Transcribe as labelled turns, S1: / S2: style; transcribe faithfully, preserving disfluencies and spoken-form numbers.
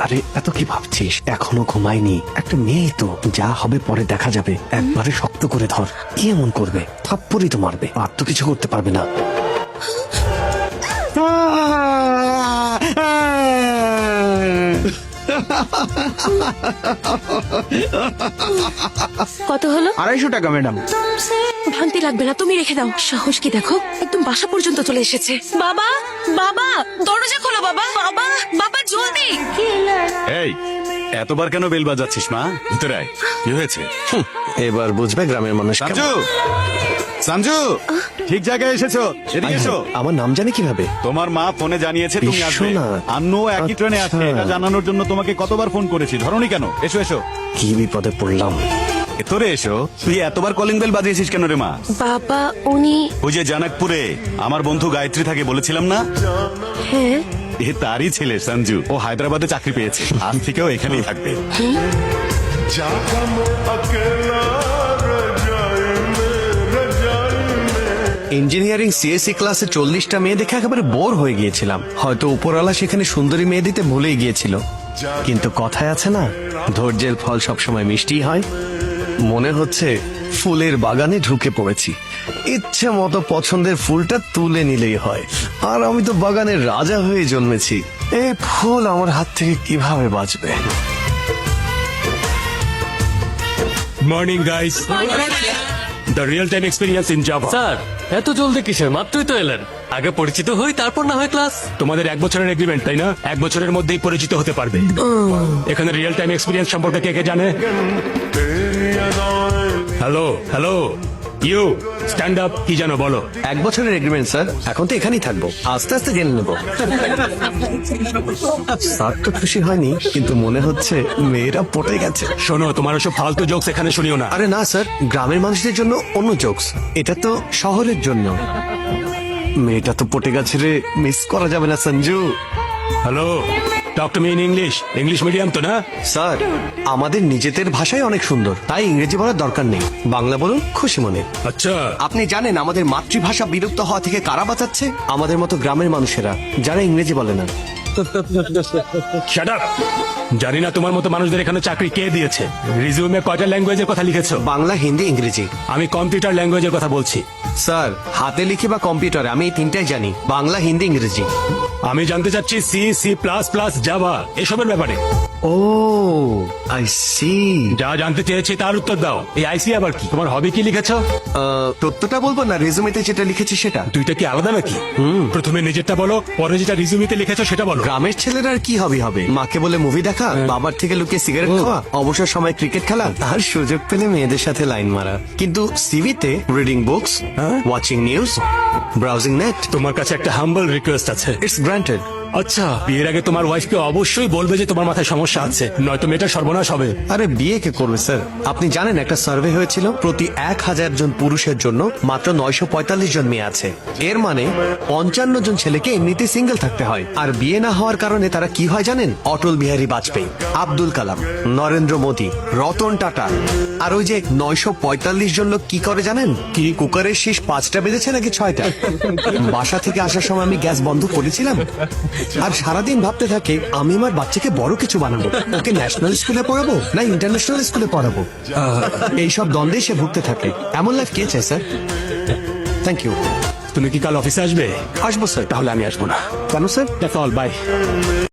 S1: আরে এত কি ভাবছিস? এখনো ঘুমায়নি। একটা মেয়ে তো, যা হবে পরে দেখা যাবে। একবারে শক্ত করে ধর। কি এমন করবে? থাপ্পড়ই তো মারবে, আর তো কিছু করতে পারবে না।
S2: কত হলো?
S3: আড়াইশো টাকা ম্যাডাম।
S2: ভাঙতে লাগবে না, তুমি রেখে দাও। সাহস কি দেখো, একদম বাসা পর্যন্ত চলে এসেছে। বাবা, বাবা, দরজা খোলো বাবা, বাবা, বাবা জলদি।
S4: এই এতবার কেন বেল বাজাচ্ছিস মা? ভিতরে আয়। কি হয়েছে?
S1: হুঁ, এবার বুঝবে গ্রামের মানুষ কেমন।
S4: সঞ্জু, সঞ্জু, ঠিক জায়গায় এসেছো। এদিকে এসো।
S1: আমার নাম জানে কিভাবে?
S4: তোমার মা ফোনে জানিয়েছে তুমি আসবে।
S1: বিশ্বনাথ।
S4: আন্নু একই ট্রেনে আছে।
S1: আচ্ছা।
S4: এটা জানানোর জন্য তোমাকে কতবার ফোন করেছি, ধরোনি কেন? এসো এসো।
S1: কি বিপদে পড়লাম।
S4: তোরে এসো। তুই এতবার কলিং বেল বাজিয়েছিস কেন রে মা?
S2: বাবা উনি,
S4: ওই যে জানাকপুরে আমার বন্ধু গায়ত্রী থাকে, বলেছিলাম না?
S2: হ্যাঁ
S4: এ তারই ছেলে সঞ্জু। ও হায়দ্রাবাদে চাকরি পেয়েছে, আজ থেকেও এখানেই থাকবে।
S1: ইঞ্জিনিয়ারিং সিএসসি ক্লাসে চল্লিশটা মেয়ে দেখে একেবারে বোর হয়ে গিয়েছিলাম। হয়তো উপরওয়ালা সেখানে সুন্দরী মেয়ে দিতে ভুলেই গিয়েছিল। কিন্তু কথায় আছে না, ধৈর্যের ফল সবসময় মিষ্টি হয়। মনে হচ্ছে ফুলের বাগানে ঢুকে পড়েছি। ইচ্ছে মতো পছন্দের ফুলটা তুলে নিলেই হয়। আর আমি তো বাগানের রাজা হয়ে জন্মেছি। এই ফুল আমার হাত থেকে কিভাবে বাঁচবে?
S5: Morning guys, the real time experience in Java.
S6: Sir এত জলদি কিসের? মাত্রই তো এলেন। আগে পরিচিত হই, তারপর না হয় ক্লাস।
S5: তোমাদের এক বছরের এগ্রিমেন্ট, তাই না? এক বছরের মধ্যেই পরিচিত হতে পারবে। এখানে রিয়েল টাইম এক্সপিরিয়েন্স সম্পর্কে কে কে জানে? Hello hello, you stand up. কি জানো বলো?
S1: এক বছরের এগ্রিমেন্ট স্যার। এখন তো এখানেই থাকবো, আস্তে আস্তে জেনে নেবো। স্যার তো খুশি হয়নি, কিন্তু মনে হচ্ছে মেয়েরা পটে গেছে।
S5: শোনো, তোমার ওসব ফালতু জোকস এখানে শুনিও না।
S1: আরে না স্যার, গ্রামের মানুষদের জন্য অন্য জোকস, এটা তো শহরের জন্য। মেয়েটা তো পটে গেছে রে, মিস করা যাবে না Sanju.
S5: Hello, talk to me in English. English medium তো না?
S1: স্যার আমাদের নিজেদের ভাষাই অনেক সুন্দর, তাই ইংরেজি বলার দরকার নেই। বাংলা বলুন খুশি মনে।
S5: আচ্ছা,
S1: আপনি জানেন আমাদের মাতৃভাষা বিলুপ্ত হওয়া থেকে কারা বাঁচাচ্ছে? আমাদের মতো গ্রামের মানুষেরা, যারা ইংরেজি বলে না।
S5: Shut up. জানি না তোমার মতো মানুষদের এখানে চাকরি কে দিয়েছে। রিজিউমে কয়টা ল্যাঙ্গুয়েজের কথা লিখেছো?
S1: বাংলা, হিন্দি, ইংরেজি।
S5: আমি কম্পিউটার ল্যাঙ্গুয়েজের কথা বলছি।
S1: স্যার হাতে লিখে বা কম্পিউটারে আমি এই তিনটাই জানি, বাংলা, হিন্দি, ইংরেজি।
S5: আমি জানতে চাচ্ছি C, C plus plus, Java এসবের ব্যাপারে।
S1: Oh I see.
S5: যা জানতে চেয়েছি তার উত্তর দাও। এই আইসি আবার কি? তোমার হবি কি লিখেছো?
S1: তথ্যটা বলবো না, রেজুমেতে যেটা লিখেছি সেটা।
S5: দুইটা কি আলাদা নাকি? প্রথমে নিজেরটা বলো, পরে যেটা রিজুমিতে লিখেছো সেটা বলো।
S1: গ্রামের ছেলেরা আর কি হবি হবে? মাকে বলে মুভি দেখা, বাবার থেকে লুকিয়ে সিগারেট খাওয়া, অবসর সময় ক্রিকেট খেলা, আর সুযোগ পেলে মেয়েদের সাথে লাইন মারা। কিন্তু সিভিতে reading books, watching news, browsing net.
S5: তোমার কাছে একটা হাম্বল রিকোয়েস্ট আছে।
S1: It's granted.
S5: আচ্ছা, বিয়ের আগে তোমার ওয়াইফকে অবশ্যই বলবে যে তোমার মাথায় সমস্যা আছে, নয়তো মেয়েটা সর্বনাশ হবে।
S1: আরে বিয়ে কে করবে স্যার? আপনি জানেন একটা সার্ভে হয়েছিল, প্রতি এক হাজার জন পুরুষের জন্য মাত্র নয়শো পঁয়তাল্লিশ জন মেয়ে আছে। এর মানে পঞ্চান্ন জন ছেলেকে এমনিতে সিঙ্গেল থাকতে হয়। আর বিয়ে না হওয়ার কারণে তারা কি হয় জানেন? অটল বিহারী বাজপেয়ী, আব্দুল কালাম, নরেন্দ্র মোদী, রতন টাটা। আর ওই যে নয়শো পঁয়তাল্লিশ জন লোক কি করে জানেন? কি কুকারের শীষ পাঁচটা বেজেছে নাকি ছয়টা? বাসা থেকে আসার সময় আমি গ্যাস বন্ধ করেছিলাম, আর সারাদিন ভাবতে থাকে আমি আমার বাচ্চাকে বড় কিছু বানাবো। ওকে ন্যাশনাল স্কুলে পড়াবো না ইন্টারন্যাশনাল স্কুলে পড়াবো, এইসব দ্বন্দ্বে সে ভুগতে থাকে। এমন লাইফ কে চায় স্যার? Thank you.
S5: তুমি কি কাল অফিসে আসবে?
S1: আসবো স্যার।
S5: তাহলে আমি আসবো না।
S1: কেন স্যার?
S5: That's all, by.